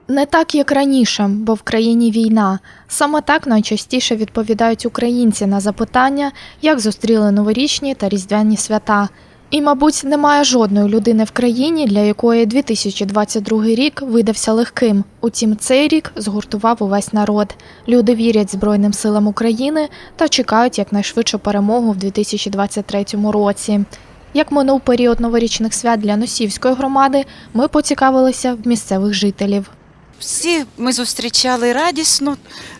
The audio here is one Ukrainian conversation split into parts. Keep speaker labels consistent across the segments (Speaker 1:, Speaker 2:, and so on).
Speaker 1: Не так, як раніше, бо в країні війна. Саме так найчастіше відповідають українці на запитання, як зустріли новорічні та різдвяні свята. І, мабуть, немає жодної людини в країні, для якої 2022 рік видався легким. Утім, цей рік згуртував увесь народ. Люди вірять Збройним силам України та чекають якнайшвидшу перемогу в 2023 році. Як минув період новорічних свят для Носівської громади, ми поцікавилися в місцевих жителів.
Speaker 2: Всі ми зустрічали радісно,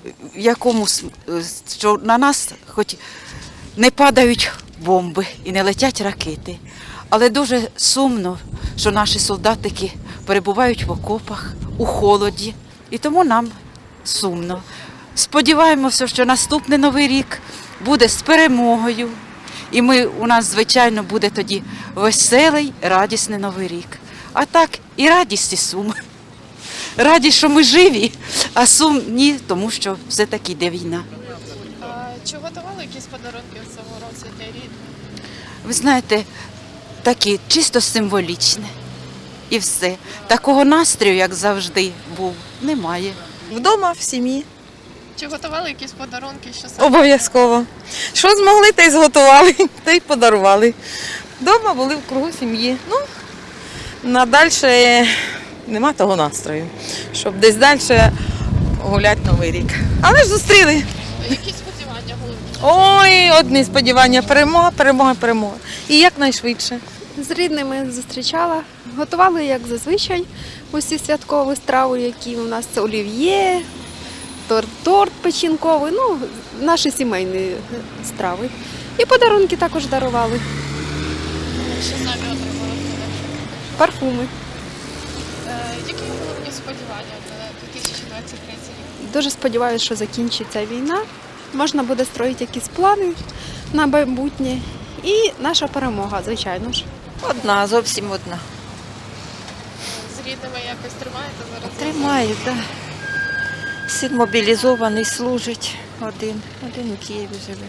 Speaker 2: що на нас хоч не падають бомби і не летять ракети. Але дуже сумно, що наші солдатики перебувають в окопах, у холоді. І тому нам сумно. Сподіваємося, що наступний Новий рік буде з перемогою. І у нас, звичайно, буде тоді веселий, радісний Новий рік. А так і радість, і сум. Радість, що ми живі, а сум ні, тому що все-таки йде війна.
Speaker 1: Чи готували якісь подарунки в цьому році для рідних?
Speaker 2: Ви знаєте, такі чисто символічне. І все. Такого настрою, як завжди, був, немає.
Speaker 3: Вдома, в сім'ї.
Speaker 1: Чи готували якісь подарунки? Що саме?
Speaker 3: Обов'язково. Що змогли, те й зготували, те й подарували. Вдома були в кругу сім'ї. Ну, надальше нема того настрою, щоб десь далі гуляти Новий рік. Але ж зустріли.
Speaker 1: Які сподівання головні?
Speaker 3: Ой, одні сподівання. Перемога, перемога, перемога. І якнайшвидше.
Speaker 4: З рідними зустрічала. Готували, як зазвичай, усі святкові страви, які у нас це олів'є, торт печінковий, ну, наші сімейні страви. І подарунки також дарували.
Speaker 1: Що самі отримали?
Speaker 4: Парфуми.
Speaker 1: Які головні сподівання на 2023 рік?
Speaker 4: Дуже сподіваюся, що закінчиться війна. Можна буде строїти якісь плани на майбутнє. І наша перемога, звичайно ж.
Speaker 5: Одна, зовсім одна.
Speaker 1: З рідними якось тримаєте зараз?
Speaker 5: Тримаю, так. Син мобілізований, служить один у Києві живе.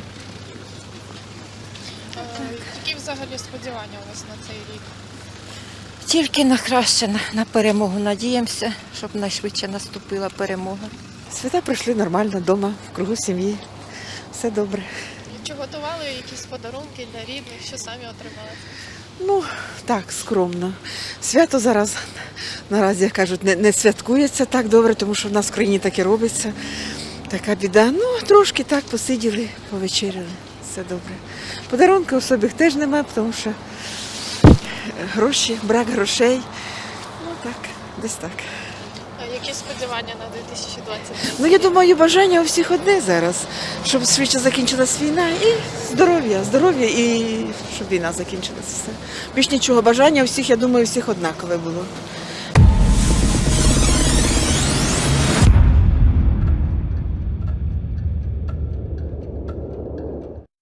Speaker 1: Які взагалі сподівання у вас на цей рік?
Speaker 5: Тільки на краще, на перемогу надіємося, щоб найшвидше наступила перемога.
Speaker 6: Свята пройшли нормально вдома, в кругу сім'ї. Все добре.
Speaker 1: Чи готували якісь подарунки для рідних? Що самі отримали?
Speaker 6: Ну, так, скромно. Свято зараз, наразі, як кажуть, не святкується так добре, тому що в нас в країні так і робиться. Така біда. Ну, трошки так посиділи, повечеряли. Все добре. Подарунки особих теж немає, тому що гроші, брак грошей. Ну, так, десь так.
Speaker 1: Які сподівання на 2023?
Speaker 6: Ну, я думаю, бажання у всіх одне зараз, щоб швидше закінчилась війна і здоров'я і щоб війна закінчилась. Все. Більш нічого, бажання у всіх, я думаю, у всіх однакове було.